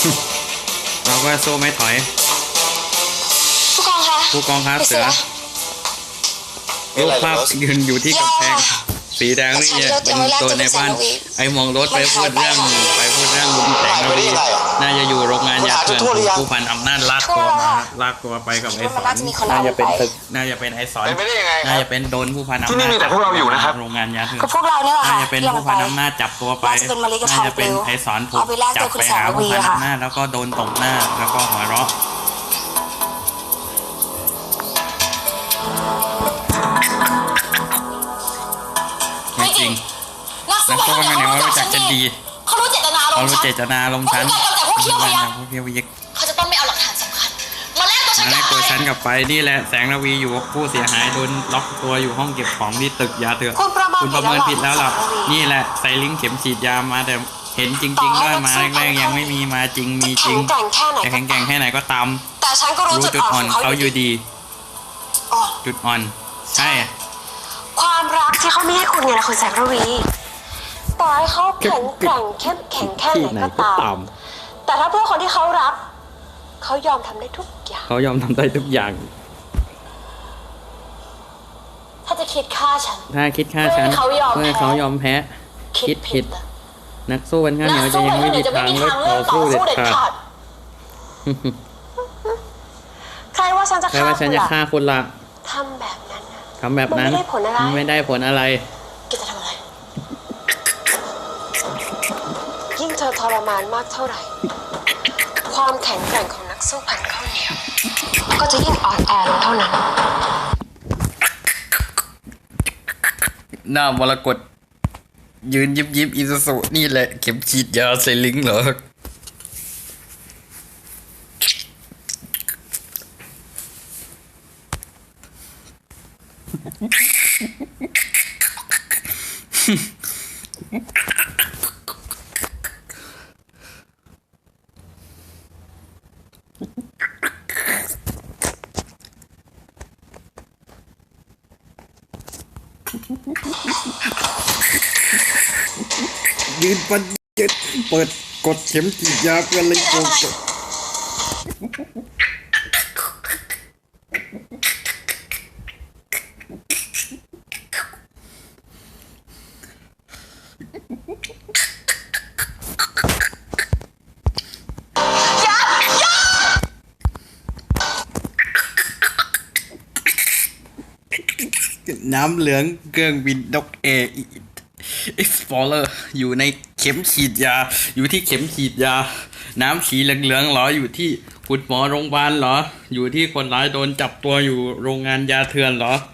เราก็สู้ไม่ถอยผู้กองคะผู้กองครับเสือรูปภาพยืนอยู่ที่กำแพงสีแดงนี่เป็นตัวในบ้านไอ้มองรถไปพูดเรื่องลุงแสงระวีน่าจะอยู่โรงงานยาเถื่อนผู้พันอำนาจลากตัวไปกับไอ้สอนน่าจะเป็นตึกน่าจะเป็นไอ้สอนน่าจะเป็นโดนผู้พันอำนาจที่นี่มีแต่พวกเราอยู่นะครับโรงงานยาเถื่อนพวกเราเนี่ยน่าจะเป็นผู้พันอำนาจจับตัวไปน่าจะเป็นไอ้สอนถูกจับไปหาผู้พันอำนาจแล้วก็โดนตบหน้าแล้วก็หัวเราะจริงนักสู้กันเนี่ยว่ารู้จักจะดีเขารู้เจตนาลงชั้นแต่พวกเที่ยวพยักเขาจะต้องไม่เอาหลักฐานสำคัญมาแลกตัวฉันกลับไปนี่แหละแสงระวีอยู่ผู้เสียหายโดนล็อกตัวอยู่ห้องเก็บของที่ตึกยาเถื่อนคุณประเมินผิดแล้วหรอนี่แหละใส่ลิงเข็มฉีดยามาแต่เห็นจริงๆด้วยมาแรกๆยังไม่มีมาจริงมีจริงแต่แข็งแกร่งแค่ไหนก็ตามแต่ฉันก็รู้จุดอ่อนเขาอยู่ดีจุดอ่อนใช่ความรักที่เขาไม่ให้คุณไงนะคุณแสงระวีต่อให้เขาแข็งแกร่งเข้มแข็งแค่ไหนก็ตามแต่ถ้าเพื่อคนที่เขารักเขายอมทำได้ทุกอย่างเขายอมทำได้ทุกอย่างถ้าจะคิดฆ่าฉันเพื่อเขายอมแพ้คิดผิดนักสู้กันข้างเหนียวจะยังไม่มีทางเลิกต่อสู้เด็ดขาดใครว่าฉันจะฆ่าคุณล่ะทำแบบนั้นไม่ได้ผลอะไรแกจะทำอะไรยิ่งเธอทรมานมากเท่าไหร่ความแข็งแกร่งของนักสู้พันข้าวเหนียวก็จะยิ่งอ่อนแอลงเท่านั้นหน้ามรกตยืนยิบอิซูซุนี่แหละเข็มฉีดยาใส่ลิงเหรอยืนปัดยืดเปิดกดเข็มฉีดยาเพื่อลิงโกน้ำเหลืองเครื่องบินนกเออ็กซ์พอร์เลอร์อยู่ในเข็มฉีดยาอยู่ที่เข็มฉีดยาน้ำสีเหลืองๆเหรออยู่ที่คุณหมอโรงพยาบาลเหรออยู่ที่คนร้ายโดนจับตัวอยู่โรงงานยาเถื่อนเหรอ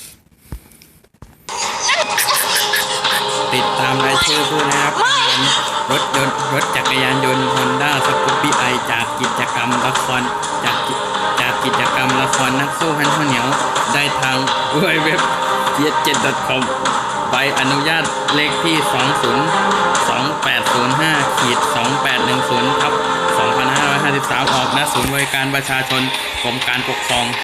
ติดตามรายชื่อผู้นะครับรถจักรยานยนต์ Honda Scoopy i จากกิจกรรมละครจากกิจกรรมละครนักสู้พันข้าวเหนียวได้ทางเว็บjet7.com ใบอนุญาตเลขที่202805-2810/2553ออกณศูนย์บริการประชาชนกรมการปกครอง